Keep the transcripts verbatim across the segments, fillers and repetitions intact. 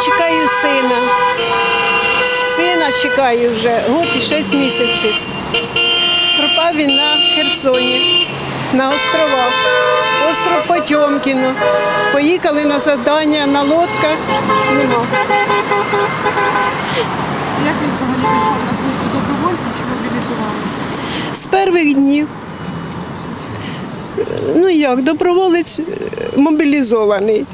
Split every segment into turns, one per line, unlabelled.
чекаю сина. Сина чекаю вже год і шість місяців. Пропав він на Херсоні, на островах. Остров Потьомкіно. Поїхали на завдання на лодках. Нема.
Як він взагалі пішов на службу добровольців чи мобілізували?
З перших днів. Ну як, доброволець мобілізований.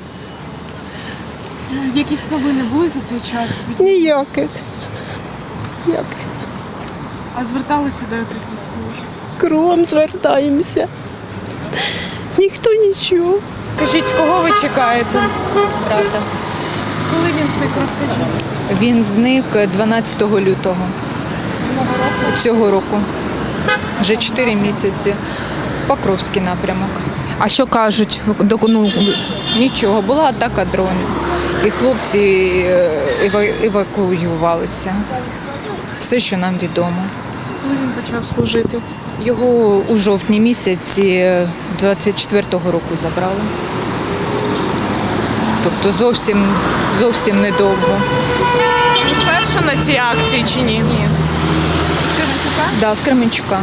Якісь новини були за цей час?
Ніяких. Ніяких.
А зверталися до якихось служб?
Кругом звертаємося. Ніхто нічого.
Кажіть, кого ви чекаєте?
Правда.
Коли він зник, розкажіть.
Він зник дванадцятого лютого цього року. Вже чотири місяці. Покровський напрямок.
А що кажуть? Ну,
Нічого, була атака дронів. І хлопці е, ева- евакуювалися. Все, що нам відомо.
коли він почав служити?
Його у жовтні місяці двадцять четвертого року забрали. Тобто зовсім, зовсім недовго.
Вперше на цій акції чи ні? Ні.
Да, з Кременчука.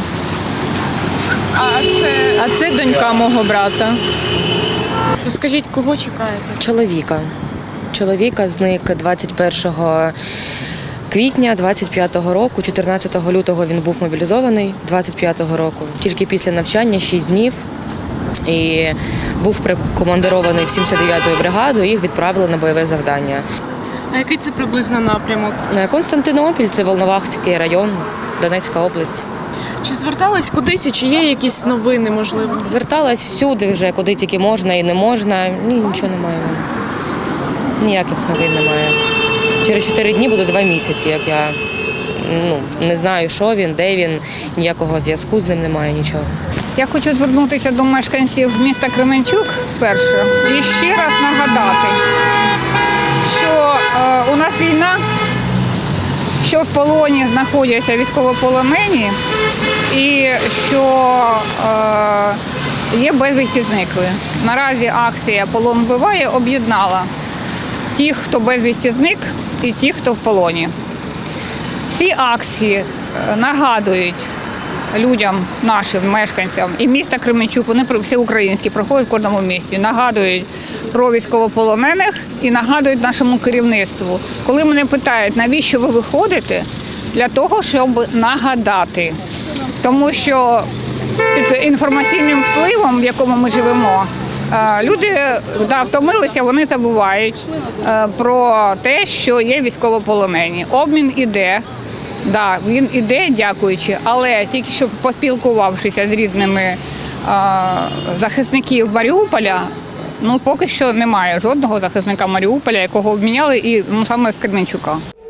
А це...
А це донька мого брата.
Розкажіть, кого чекаєте?
Чоловіка. Чоловіка зник двадцять першого квітня двадцять п'ятого року, чотирнадцятого лютого він був мобілізований, двадцять п'ятого року. Тільки після навчання шість днів і був прикомандирований в сімдесят дев'яту бригаду, їх відправили на бойове завдання.
А який це приблизно напрямок?
Константинопіль – це Волновахський район, Донецька область.
Чи звертались кудись і чи є якісь новини, можливо?
Зверталась всюди вже, куди тільки можна і не можна. Ні, нічого немає. Ніяких новин немає. Через чотири дні буде два місяці, як я ну, не знаю, що він, де він, ніякого зв'язку з ним немає, нічого.
Я хочу звернутися до мешканців міста Кременчук вперше і ще раз нагадати, що е, у нас війна, що в полоні знаходяться військовополонені і що е, є безвісті зникли. Наразі акція «Полон вбиває» об'єднала тих, хто безвісті зник, і тих, хто в полоні. Ці акції нагадують людям, нашим мешканцям і міста Кременчук, вони всі українські, проходять в кожному місті, нагадують про військовополонених і нагадують нашому керівництву. Коли мене питають, навіщо ви виходите, для того, щоб нагадати. Тому що під інформаційним впливом, в якому ми живемо, люди да, втомилися, вони забувають про те, що є військовополонені. Обмін іде. Да, він іде, дякуючи, але тільки що поспілкувавшися з рідними а, захисників Маріуполя, ну поки що немає жодного захисника Маріуполя, якого обміняли, і ну, саме з Кременчука.